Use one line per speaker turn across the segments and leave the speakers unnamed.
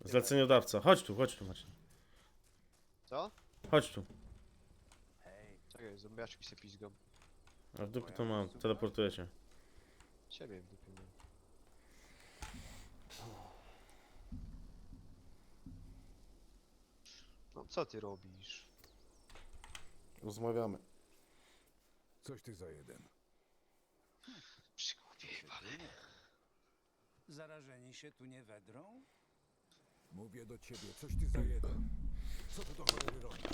Zleceniodawca. Chodź tu, Maciej.
Co?
Chodź tu.
Czekaj, zombiaczki się pizgą.
A w dupie to mam, teleportuję cię.
Ciebie w dupie mam. No co ty robisz?
Rozmawiamy.
Coś ty za jeden.
Przygłupie jebany.
Zarażeni się tu nie wedrą?
Mówię do ciebie, coś ty za jeden. Co tu do cholery robisz?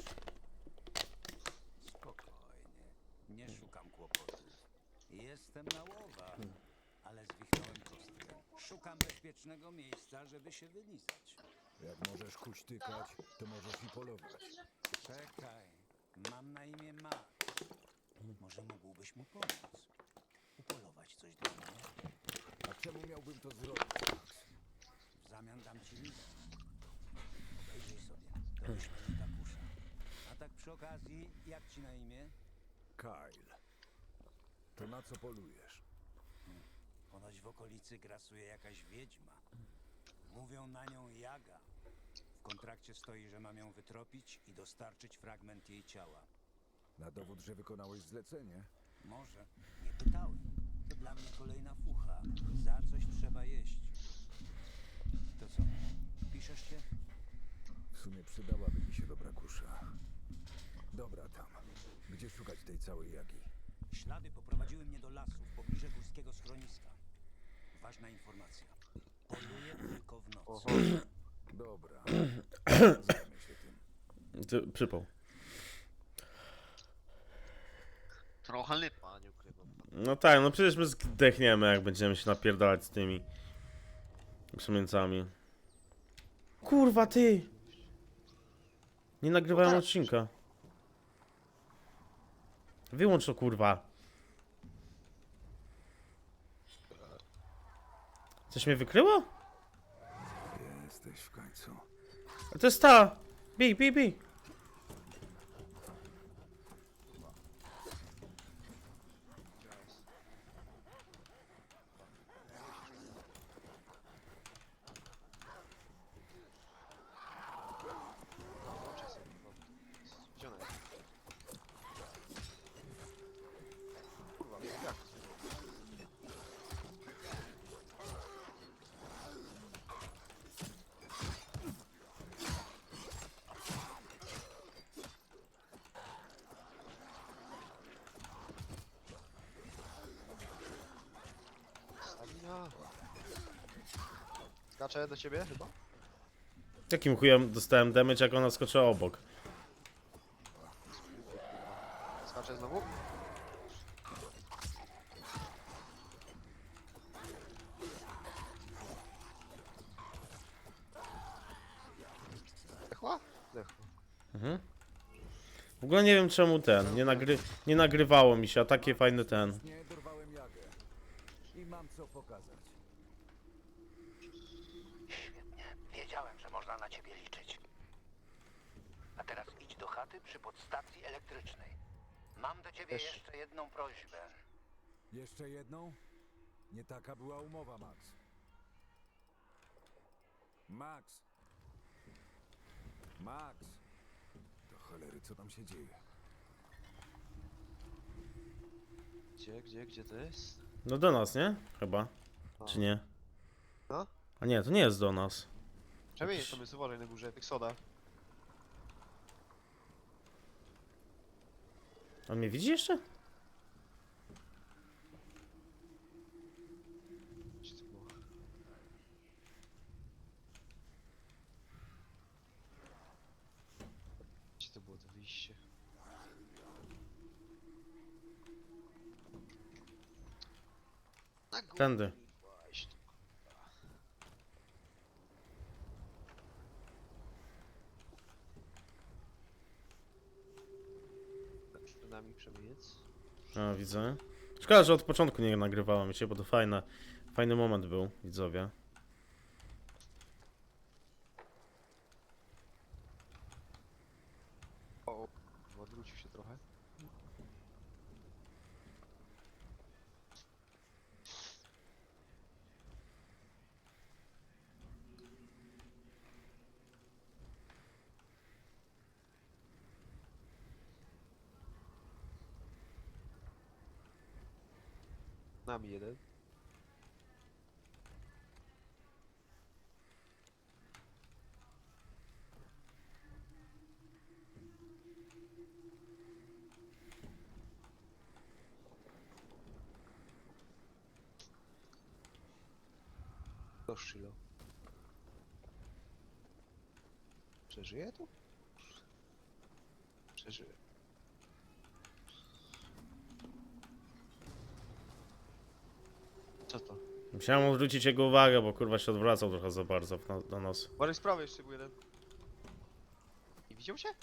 Spokojnie. Nie szukam kłopotów. Jestem na łowach, ale zwichnąłem kostkę. Szukam bezpiecznego miejsca, żeby się wylizać.
Jak możesz huśtykać, to możesz i polować.
Czekaj. Mam na imię Max. Może mógłbyś mu pomóc? Upolować coś dla mnie?
A czemu miałbym to zrobić, Max?
W zamian dam ci list. Obejrzyj sobie. To wyśmienita kusza. A tak przy okazji, jak ci na imię?
Kyle. To na co polujesz?
Ponoć w okolicy grasuje jakaś wiedźma. Mówią na nią Jaga. W kontrakcie stoi, że mam ją wytropić i dostarczyć fragment jej ciała.
Na dowód, że wykonałeś zlecenie?
Może. Nie pytałem. To dla mnie kolejna fucha. Za coś trzeba jeść. To co? Piszesz się?
W sumie przydałaby mi się dobra kusza. Dobra tam. Gdzie szukać tej całej jagi?
Ślady poprowadziły mnie do lasu w pobliżu górskiego schroniska. Ważna informacja. Poluję tylko w nocy.
Oho.
Dobra. Zajmę się tym.
Przypał.
Trochę lipa, nie ukrywam.
No tak, no przecież my zdechniemy, jak będziemy się napierdalać z tymi przemieńcami. Kurwa, ty! Nie nagrywałem odcinka. Wyłącz to, kurwa. Coś mnie wykryło?
Jesteś w końcu.
A to jest ta! Bij!
Gdzie ona jest? Kurwa, jak? Stamina. Skaczę do ciebie chyba?
Jakim chujem dostałem damage, jak ona skoczyła obok?
Skaczę znowu? Zdechła? Zdechła.
W ogóle nie wiem czemu nie nagrywało mi się, a takie fajny ten.
Nie dorwałem jagę. I mam co pokazać.
Świetnie. Wiedziałem, że można na ciebie liczyć. A teraz idź do chaty przy podstacji elektrycznej. Mam do ciebie
Też.
jeszcze jedną prośbę.
Jeszcze jedną? Nie taka była umowa, Max. Max! Max! Do cholery, co tam się dzieje?
Gdzie to jest?
No do nas, nie? Chyba.
A.
Czy nie?
No?
A nie, to nie jest do nas.
Przemień sobie, uważaj na górze, tych soda.
On mnie widzi jeszcze?
Gdzie to było? Gdzie to było to wyjście? Na górę.
Tędy.
Właśnie, kurwa. Przed nami przemieniec.
A, widzę. Szkoda, że od początku nie nagrywałem się, bo to fajny moment był, widzowie.
O, odwrócił się trochę. Nami jeden. To Shilo. Przeżyje tu? Przeżyje. Co to?
Musiałem odwrócić jego uwagę, bo kurwa się odwracał trochę za bardzo do nas.
Bardziej z prawej jeszcze był jeden. Nie widział się?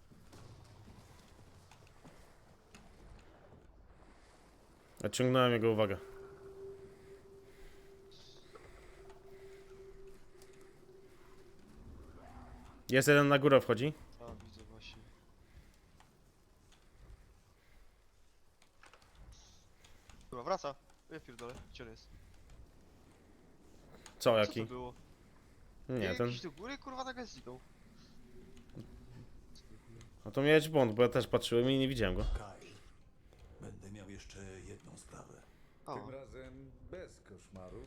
Odciągnąłem jego uwagę. Jest jeden na górę wchodzi.
A, widzę właśnie. Chyba wraca. Ja pierdolę, gdzie on jest?
Co,
Co
jaki?
to było?
Nie, ten...
Jakiś do góry, kurwa, nagle zniknął.
No to miałeś błąd, bo ja też patrzyłem i nie widziałem go.
Kyle, będę miał jeszcze jedną sprawę.
O,
Tym razem bez koszmarów.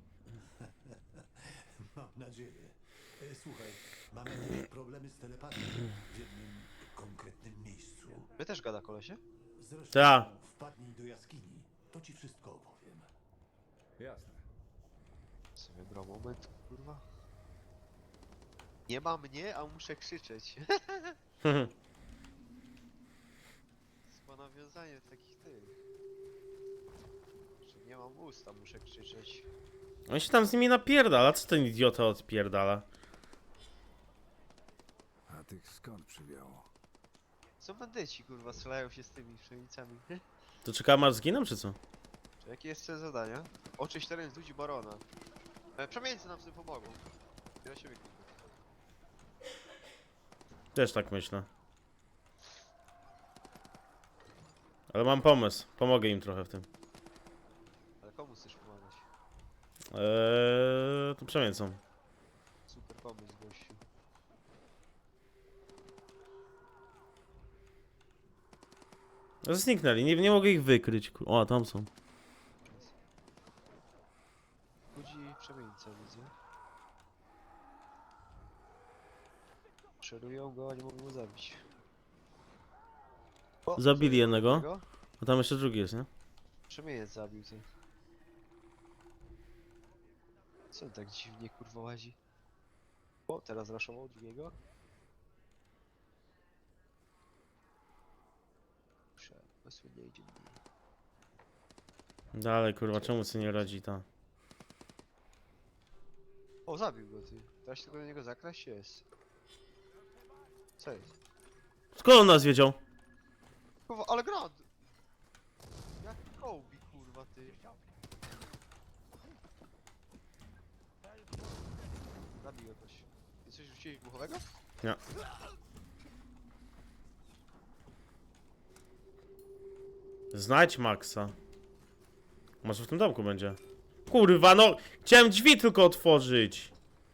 Mam nadzieję. Słuchaj, mam jakieś problemy z telepatią w jednym konkretnym miejscu.
my też gada kolesie?
Zresztą
Ta.
wpadnij do jaskini, to ci wszystko opowiem.
Jasne.
Sobie brał moment, kurwa. Nie ma mnie, a muszę krzyczeć. Chyba nawiązanie do takich tych. Że nie mam ust, a muszę krzyczeć.
On się tam z nimi napierdala, co ten idiota odpierdala?
A tych skąd przywiało?
Co bandyci, kurwa, strzelają się z tymi pszenicami.
To czekałem aż zginę, czy co?
Czy jakie jeszcze zadania? Oczyść teren z ludzi barona. Przemieńcy nam w tym pomogą. Ja się wykluczę.
Też tak myślę. Ale mam pomysł. Pomogę im trochę w tym.
Ale komu chcesz pomagać?
To przemięcą.
Super pomysł, gościu.
Zniknęli, nie mogę ich wykryć. O, tam są.
Ludzi przemieńca, widzę. Przerują go, a nie mogą go zabić. O,
Zabili
coś
jednego.
innego.
A tam jeszcze drugi jest, nie?
Przemieniec zabił ty. Co on tak dziwnie kurwa łazi? O, teraz raszował drugiego. Przemysł nie idzie.
Dalej, kurwa, czemu sobie nie radzi ta?
O, zabił go ty. Teraz się tylko do niego zakraść jest. Co jest?
Skąd on nas wiedział?
Kurwa, ale grad! Jak Kobe, kurwa ty. Zabił jakoś. Ty coś rzuciłeś buchowego?
Nie. Znajdź Maxa. Może w tym domku będzie. Kurwa, no! Chciałem drzwi tylko otworzyć.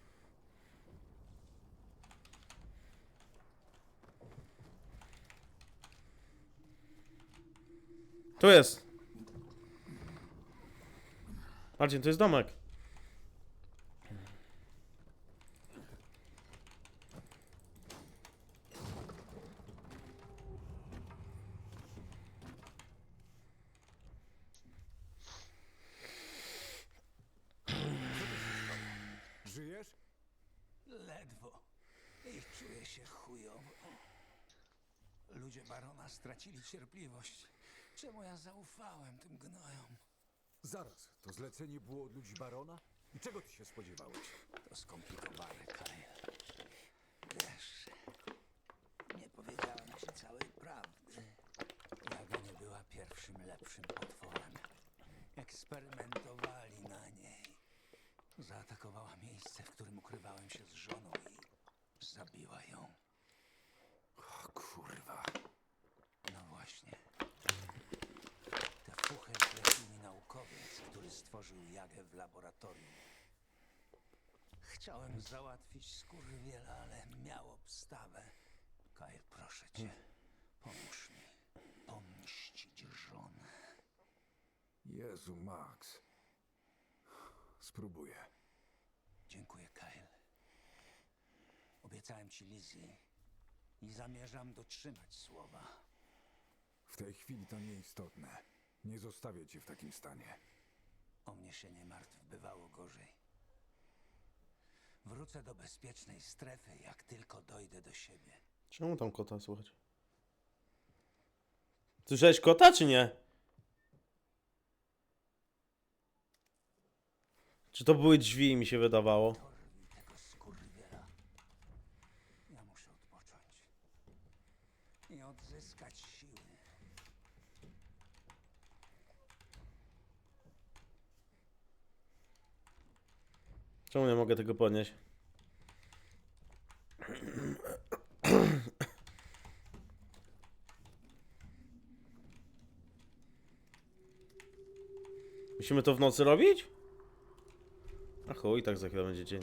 Tu jest. Marcin, to jest domek.
Żyjesz?
Ledwo. I czuję się chujowo. Ludzie barona stracili cierpliwość. Czemu ja zaufałem tym gnojom?
Zaraz, to zlecenie było od ludzi barona? I czego ty się spodziewałeś?
To skomplikowane, Kyle. Wiesz, nie powiedziałem ci całej prawdy. Jaga nie była pierwszym lepszym potworem. Eksperymentowali na niej. Zaatakowała miejsce, w którym ukrywałem się z żoną i zabiła ją.
O kurwa.
No właśnie. Te fuchy zlecił mi naukowiec, który stworzył Jagę w laboratorium. Chciałem załatwić skurwiela, ale miał obstawę. Kyle, proszę cię, pomóż mi pomścić żonę.
Jezu, Max. Spróbuję.
Dziękuję, Kyle. Obiecałem ci Lizzie i zamierzam dotrzymać słowa.
W tej chwili to nieistotne. Nie zostawię cię w takim stanie.
O mnie się nie martw, bywało gorzej. Wrócę do bezpiecznej strefy, jak tylko dojdę do siebie.
Czemu tam kota słychać? Słyszałeś kota, czy nie? Czy to były drzwi, mi się wydawało?
Dorwij tego skurwiela. Ja muszę odpocząć i odzyskać siły.
Czemu nie mogę tego podnieść? Musimy to w nocy robić? A chuj, tak za chwilę będzie dzień.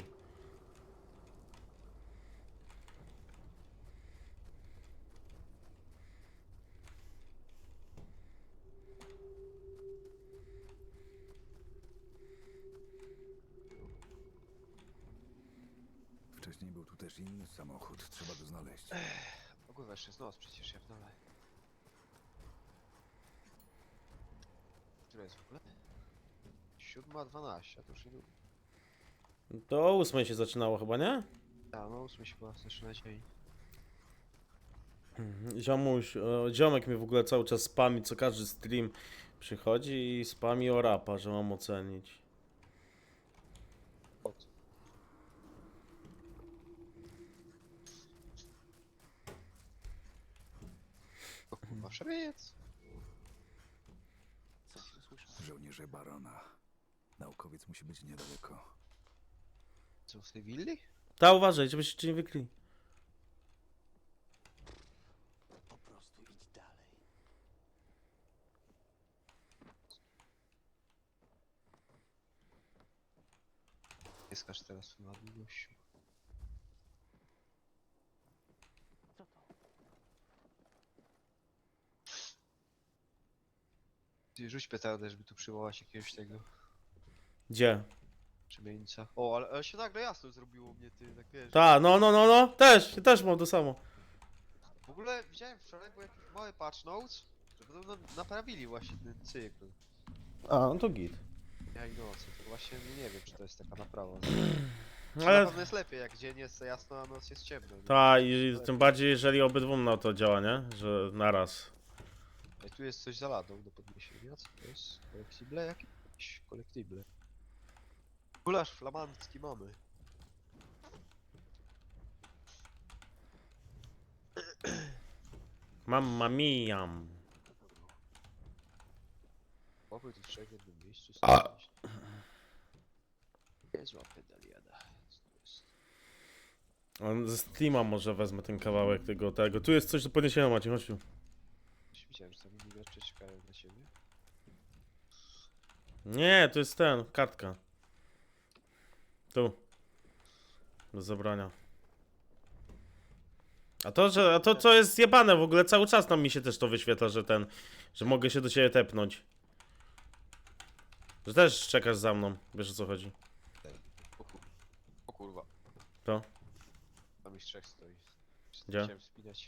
Wcześniej był tu też inny samochód. Trzeba go znaleźć.
O kurwa, jeszcze jest noc przecież, ja w dole. Która jest w ogóle? 7:12, a to już niedługo.
To o 8 się zaczynało chyba, nie?
Tak, no 8 się chyba zaczyna dzień.
Ziomuś, ziomek mi w ogóle cały czas spami, co każdy stream przychodzi i spami o rapa, że mam ocenić.
Od. O kurwa, szrebiec! Co się słyszę?
Żołnierze barona. Naukowiec musi być niedaleko.
Co, w tej willi?
Ta, uważaj, żebyście cię nie wykryli.
Po prostu idź dalej.
Nie skacz teraz na długościu. Ty rzuć petardę, żeby tu przywołać jakiegoś tego
Gdzie?
przemieńca. O, ale się nagle jasno zrobiło u mnie, ty, tak wiesz.
Ta, no, też mam to samo.
W ogóle widziałem wczoraj, był jakiś mały patch notes, że podobno naprawili właśnie ten cykl.
A, no to git.
Ja i nocy, to właśnie nie wiem, czy to jest taka naprawa.
Ale
Na pewno jest lepiej, jak dzień jest jasno, a noc jest ciemno. nie?
ta, i tym bardziej jeżeli obydwu na to działa, nie? Że naraz.
Ej, tu jest coś za ladą do podniesienia, co to jest? Kolektible jakieś? Kolektible. Gulasz flamandzki mamy.
Mamma mia.
Oby tu trzech w jednym miejscu
A.
stać. Niezła pedaliada. Co to jest?
On ze Steama może wezmę ten kawałek tego. Tu jest coś do podniesienia, Maciej, chodź tu.
Coś widziałem, że tam inni gracze czekają na ciebie.
Nie, to jest kartka. Tu. Do zabrania. A to co jest zjebane w ogóle, cały czas nam mi się też to wyświetla, że mogę się do ciebie tepnąć. Że też czekasz za mną, wiesz o co chodzi.
O kurwa.
To?
Tam ich trzech stoi.
Gdzie?
Chciałem wspinać.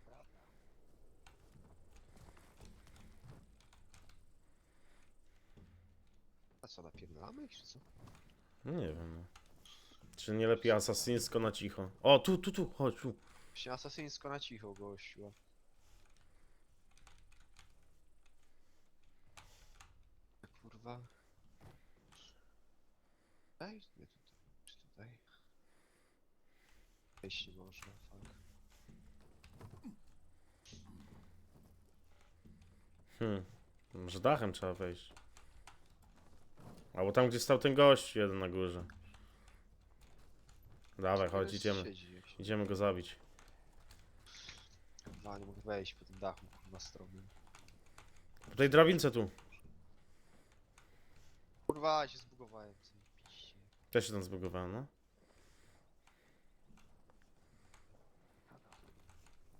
A co, napierdalamy ich, czy co?
No nie wiem, no. Czy nie lepiej asasyńsko na cicho? O, tu, chodź, tu.
Właśnie asasyńsko na cicho, gościu. Kurwa. Tutaj? Nie tutaj. Czy tutaj? Wejść nie można, fuck.
Może dachem trzeba wejść. Albo tam, gdzie stał ten gość jeden na górze. Dawaj, chodź,
Tu
idziemy.
siedzi jakiś.
Idziemy go zabić.
Kurwa, nie mogę wejść po tym dachu, kurwa, stromym.
Po tej drabince tu.
Kurwa, się zbugowałem, co mi piście.
Też się tam zbugowałem, no.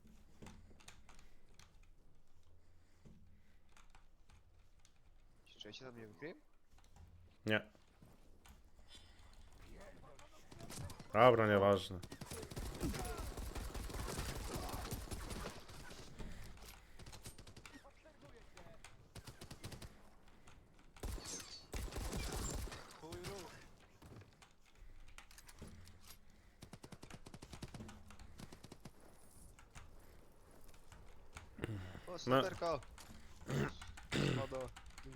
Czekaj, cię tam nie wykryłem?
Nie. Dobra, nieważne.
Chuj ruch. O, snajperka! Spada.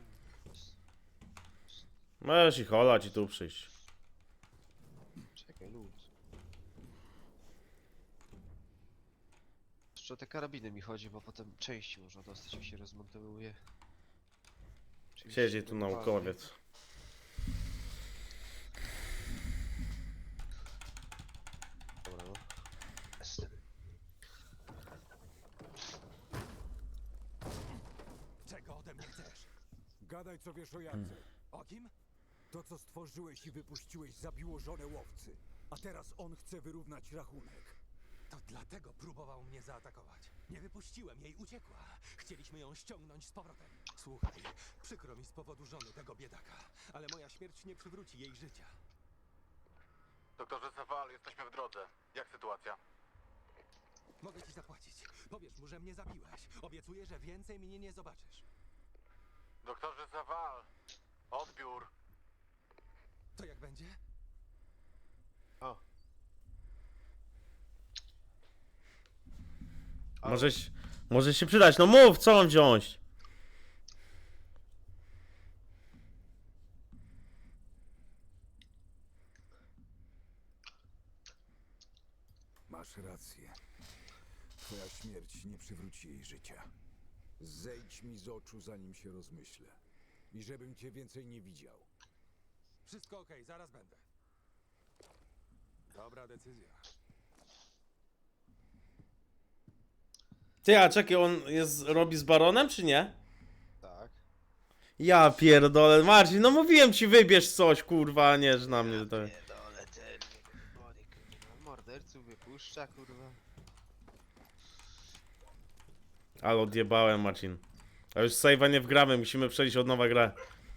Możesz ich olać i tu przyjść.
Czekaj, luz. Jeszcze o te karabiny mi chodzi, bo potem części można dostać, jak się rozmontowuje. Czyli
Siedzi tu
normalnie.
naukowiec.
Dobra, no. Jestem.
Czego ode mnie chcesz?
Gadaj, co wiesz o Jadze.
O kim?
To, co stworzyłeś i wypuściłeś, zabiło żonę łowcy. A teraz on chce wyrównać rachunek.
To dlatego próbował mnie zaatakować. Nie wypuściłem jej, uciekła. Chcieliśmy ją ściągnąć z powrotem. Słuchaj, przykro mi z powodu żony tego biedaka, ale moja śmierć nie przywróci jej życia.
Doktorze Sewal, jesteśmy w drodze. Jak sytuacja?
Mogę ci zapłacić. Powiesz mu, że mnie zabiłeś. Obiecuję, że więcej mnie nie zobaczysz.
Doktorze Sewal! Odbiór!
To jak będzie?
O.
Możesz się przydać. No mów, co mam wziąć?
Masz rację. Twoja śmierć nie przywróci jej życia. Zejdź mi z oczu, zanim się rozmyślę. I żebym cię więcej nie widział.
Wszystko okej, zaraz będę. Dobra decyzja.
Ty, a czekaj, on robi z baronem, czy nie?
Tak.
Ja pierdolę, Marcin, no mówiłem ci, wybierz coś, kurwa, a nie, że na mnie to...
Pierdolę, ten body, kurwa. Morderców wypuszcza, kurwa.
Ale odjebałem, Marcin. A już save'a nie wgramy, musimy przejść od nowa grę.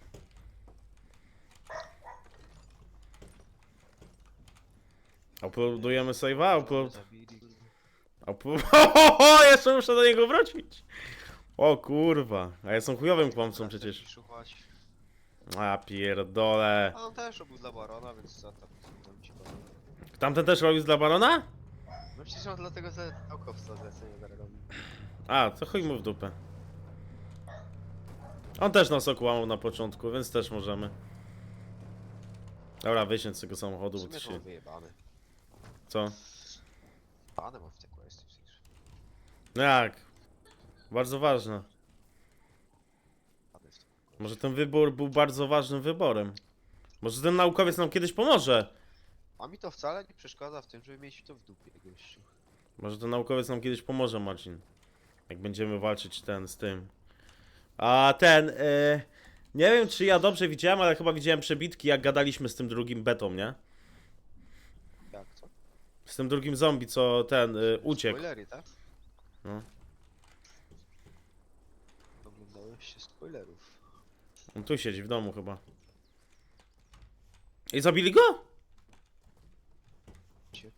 Uploadujemy save'a?
Zabili, kurwa.
Jeszcze muszę do niego wrócić. O kurwa, a ja są chujowym kłamcą przecież.
Szukać.
A pierdolę.
A on też robił dla barona, więc co tam ci powiem.
Tamten też robił dla barona?
No przecież on dlatego za naukowca zlecenie zarobił.
A, to chuj mu w dupę. On też nas okłamał na początku, więc też możemy. Dobra, wysiądź z tego
W
samochodu, bo
sumie
ty
to mam
się...
wyjebane.
Co?
Pane mam w te questy przecież.
No jak? Bardzo ważne.
Pane w te questy.
Może ten wybór był bardzo ważnym wyborem. Może ten naukowiec nam kiedyś pomoże.
A mi to wcale nie przeszkadza w tym, żeby mieć to w dupie, gościu.
Może ten naukowiec nam kiedyś pomoże, Marcin. Jak będziemy walczyć z tym. A ten, nie wiem czy ja dobrze widziałem, ale chyba widziałem przebitki jak gadaliśmy z tym drugim betą, nie?
Jak co?
Z tym drugim zombie, co ten, uciekł.
Spoilery, tak?
No.
Oglądałeś się spoilerów.
On tu siedzi w domu chyba. I zabili go?
Cie-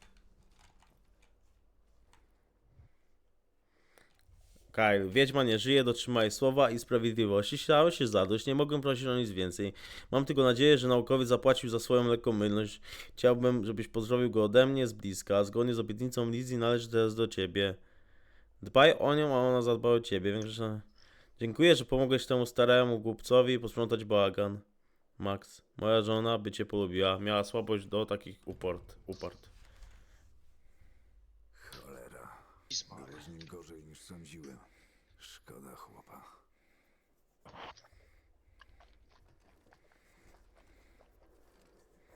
Kyle, wiedźma nie żyje, dotrzymaj słowa i sprawiedliwości. Stało się zadość, nie mogę prosić o nic więcej. Mam tylko nadzieję, że naukowiec zapłacił za swoją lekkomylność. Chciałbym, żebyś pozdrowił go ode mnie z bliska. Zgodnie z obietnicą Lizzie należy teraz do ciebie. Dbaj o nią, a ona zadba o ciebie. Dziękuję, że pomogłeś temu staremu głupcowi posprzątać bałagan. Max, moja żona by cię polubiła. Miała słabość do takich uport.
Cholera.
Pismary.
Było z nim gorzej niż sądziłem. Szkoda chłopa.